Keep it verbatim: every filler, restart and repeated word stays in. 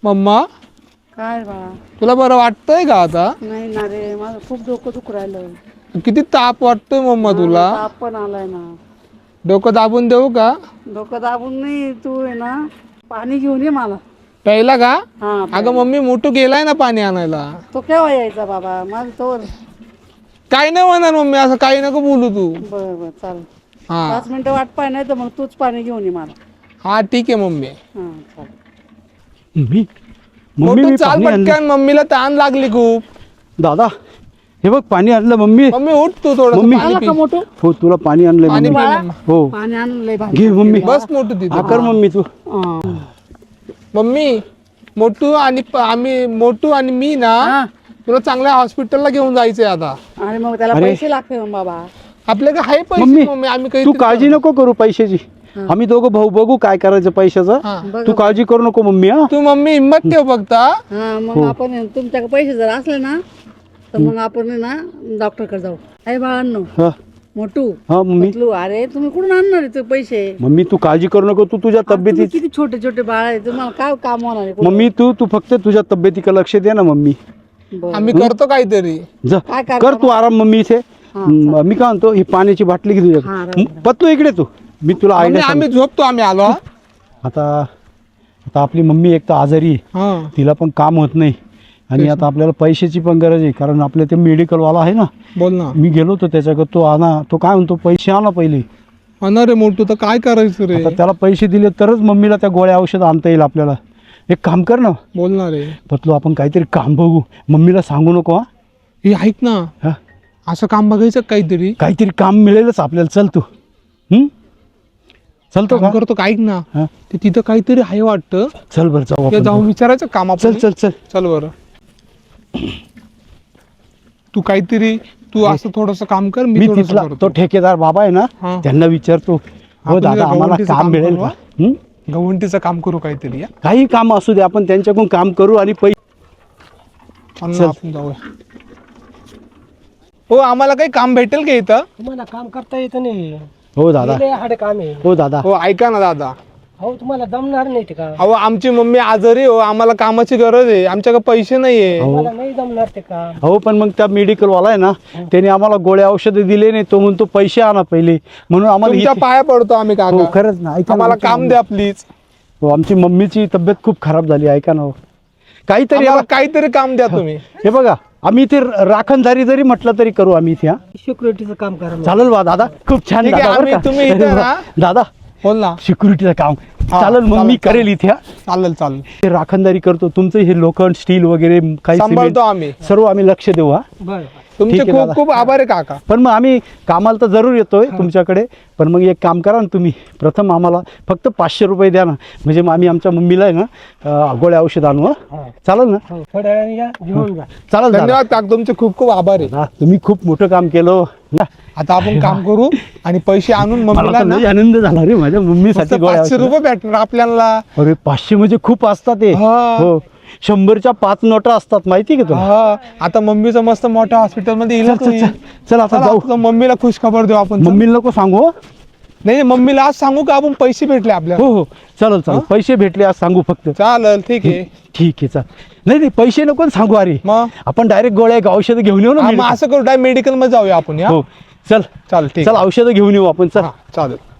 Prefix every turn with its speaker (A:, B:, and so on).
A: Mamma
B: काय बाळा?
A: तुला बरं वाटतंय का आता?
B: नाही ना रे, माझं खूप डोकं दुखू राहिलं.
A: किती ताप वाटतोय मम्मा तुला?
B: ताप पण आलाय ना.
A: डोकं दाबून देऊ का?
B: डोकं दाबून नाही, तू आहे ना पाणी घेऊन ये मला.
A: प्यायला का?
B: हा
A: अगं मम्मी मोठू गेलाय ना पाणी आणायला.
B: तो केव्हा यायचा बाबा? माझं तोवर.
A: काय नाही होणार मम्मी, असं काही नको बोलू तू.
B: बरं बरं चाल.
A: हा
B: पाच मिनिटं वाट पाय, नाही तर मग तूच पाणी घेऊन ये मला.
A: हा ठीक आहे मम्मी.
B: हा चाल.
C: मम्मी मम्मी
A: मोठू
C: मी
A: चाल
C: पाणी आणलं.
A: पटकन, मम्मीला ताण लागली खूप.
C: दादा हे बघ पाणी आणलं मम्मी.
A: मम्मी उठ तू थोडं
C: मम्मी.
B: आला का मोठू?
C: हो तुला पाणी आणलंय
A: पाणी
C: मम्मी.
A: P mamma.
C: हो
B: पाणी आणलंय भारी.
C: घे मम्मी.
A: बस मोठू तिथे.
C: आकर मम्मी तू.
B: हा.
A: मम्मी मोठू आणि प- आम्ही मोठू आणि मी ना
B: हा.
A: तुला चांगल्या हॉस्पिटलला घेऊन जायचंय आता.
B: आणि मग त्याला
C: अरे.
B: पैसे लागते मग बाबा.
A: आपल्याकडे आहे पैसे
C: मम्मी
A: मम्मी, आम्ही काही
C: तू काळजी नको करू पैशाची. आम्ही दोघं भाऊ बघू काय करायचं पैशाचं.
A: हा.
B: बघ
C: तू काळजी करू नको मम्मी. हा
A: तू मम्मी हिंमत ठेव फक्त हा.
B: हा मग आपण तुमच्याकडे पैसे जर असले ना तर मग आपण आहे ना डॉक्टरकडे जाऊ. अरे बाळांनो,
C: हा
B: मोठू
C: हा मम्मी.
B: पतलू, अरे तुम्ही कुठून आणणार आहे ते पैसे?
C: मम्मी तू काळजी करू नको. तू तुझ्या
B: तुम्ही
C: तब्येती
B: किती छोटे छोटे बाळ आहे, तुम्हाला काय काम होणार आहे कुठं?
C: मम्मी तू तू फक्त तुझ्या तब्येतीकडे लक्ष दे ना मम्मी.
B: बरं.
A: आम्ही करतो काहीतरी.
C: जा
B: काय करणार?
C: कर तू आराम मम्मी इथे.
B: हा,
C: म- मी काय म्हणतो ही पाण्याची बाटली घे
B: हा,
C: तुझ्या.
B: राम,
C: पत्तू इकडे तू. मी तुला
A: मम्मी,
C: आयडिया
A: आम्ही झोपतो, आम्ही आलो हा.
C: आता आता आपली मम्मी एक तर आजारी आहे.
A: हा
C: तिला पण काम होत नाही आणि आता आपल्याला पैशाची पण गरज आहे. कारण आपल्या ते मेडिकलवाला आहे ना,
A: बोल ना.
C: मी गेलो होतो त्याच्याकडे. तो आणा, तो काय म्हणतो पैसे आणा पहिले.
A: होणार रे मोठू, तर काय करायचं रे?
C: आता त्याला पैसे दिले तरच मम्मीला त्या गोळ्या औषध आणता येईल आपल्याला. एक काम कर ना
A: बोल ना रे.
C: पतलू, आपण काहीतरी काम बघू. मम्मीला सांगू नको. हा
A: हे ऐक ना,
C: हा?
A: असं काम बघायचं का काहीतरी?
C: काहीतरी काम मिळेलच आपल्याला. चल तू. हम्म? चलतो
A: काम
C: का?
A: करतो का? ऐक ना,
C: हा?
A: ते तिथं काहीतरी आहे वाटतं.
C: चल बरं जाऊ
A: ते
C: आपण.
A: जाऊन विचारायचं काम आपण.
C: चल चल चल.
A: चल बरं. तू काहीतरी तू असं थोडस काम कर, मी
C: मी
A: थोडंसं
C: तिथला
A: करतो.
C: तो ठेकेदार बाबा आहे ना,
A: हा.
C: त्यांना विचारतो. हो
A: आपण
C: दादा
A: जरा
C: आम्हाला
A: गवंडीचं
C: काम
A: काम
C: मिळेल
A: करू,
C: का?
A: हा?
C: हम्म?
A: गवंडीचं काम करू काहीतरी या.
C: काही काम असू दे, आपण त्यांच्याकडून काम करू आणि पैसे.
A: चल ना,
C: चल.
A: आपण जाऊया. हो, आम्हाला काही काम भेटेल का इथं?
D: तुम्हाला काम करता येत नाही.
C: हो दादा.
D: लय हाड काम आहे.
C: हो दादा.
A: हो ऐका ना दादा.
D: हो तुम्हाला जमणार नाही ते काम.
A: अहो आमची मम्मी आजारी हो, आम्हाला कामाची गरज आहे, आमच्याकडे पैसे नाहीये.
C: हो.
D: तुम्हाला नाही जमणार ते काम.
C: हो पण मग त्या मेडिकलवाला आहे ना, त्याने आम्हाला गोळ्या औषधं दिले नाही. तो म्हणतो पैसे आणा पहिले, म्हणून आम्हाला
A: तुमच्या
C: इथे-
A: पाया पडतो आम्ही
C: हो
A: काका.
C: खरंच ना. ऐका ना,
A: आम्हाला
C: आमची
A: काम
C: मम्मी-
A: द्या प्लीज.
C: हो आमची मम्मीची तब्येत खूप खराब झाली. ऐका ना हो. काहीतरी
A: आम्हाला
C: आम्हाला-
A: काहीतरी काम द्या तुम्ही.
C: हे बघा, आम्ही इथे राखणदारी जरी म्हटलं तरी करू आम्ही इथे. हा
D: सिक्युरिटीचं काम करा.
C: चालेल बा दादा. खूप छान
A: ठीक आहे,
C: दादा, बरं
A: आम्ही-
C: का?
A: तुम्ही इथे
C: अरे वा.
A: ना.
C: दादा
A: बोल ना.
C: सिक्युरिटीचं काम
A: हा,
C: चालेल मग
A: चालेल,
C: मी
A: चालेल.
C: करेल इथे. हा.
A: चालेल चालेल,
C: ते राखणदारी करतो. तुमचं हे लोखंड स्टील वगैरे काही
A: सांभाळतो
C: सिमेंट
A: आम्ही.
C: सर्व आम्ही लक्ष देऊ. हा
D: बरं.
A: तुमचे
C: ठीक आहे
A: खूप
C: दादा.
A: खूप आभार आहे काका.
C: पण मग आम्ही कामाला तर जरूर येतोय तुमच्याकडे. पण मग एक काम करा ना तुम्ही, प्रथम आम्हाला फक्त पाचशे रुपये द्या ना. म्हणजे मग आम्ही आमच्या मम्मीला आहे ना अं, गोळ्या औषध आणू. हा?
D: हा.
C: चालेल ना?
D: हो थोड्या वेळाने या, घेऊन जा.
C: चालेल दादा.
A: धन्यवाद काका, तुमचे खूप खूप आभार आहे.
C: दादा, तुम्ही खूप मोठं काम केलं.
A: आता आपण काम करू आणि पैसे आणून
C: मला
A: मम्मीला
C: तर
A: ना
C: लई आनंद झाला रे माझ्या
A: फक्त
C: मम्मीसाठी गोळ्या
A: पाचशे
C: औषधं.
A: रुपये भेटणार आपल्याला.
C: अरे पाचशे म्हणजे खूप असतात ते.
A: हा.
C: हो शंभरच्या पाच नोटा असतात माहिती का तुला?
A: हा, आता मम्मीचं मस्त मोठ्या हॉस्पिटल मध्ये येईल
C: चल, चल, चल. चल आता
A: चला,
C: जाऊ.
A: आता मम्मीला खुश खबर देऊ आपण.
C: मम्मीला नको सांगू. हो
A: नाही नाही, मम्मीला आज सांगू का आपण पैसे भेटले आपल्याला?
C: हो चालेल चालेल. पैसे भेटले आज सांगू फक्त.
A: चालेल, ठीक आहे.
C: ठीक आहे चाल. नाही नाही पैसे नको ना सांगू. अरे
A: मग
C: आपण डायरेक्ट गोळ्या औषधं घेऊन येऊ ना
A: हा, मग
C: medical.
A: असं करू, डाय मेडिकल मध्ये जाऊया आपण. या
C: हो चल
A: चालेल, ठीक
C: चल
A: आहे.
C: औषधं घेऊन येऊ आपण. चल
A: हा, चालेल.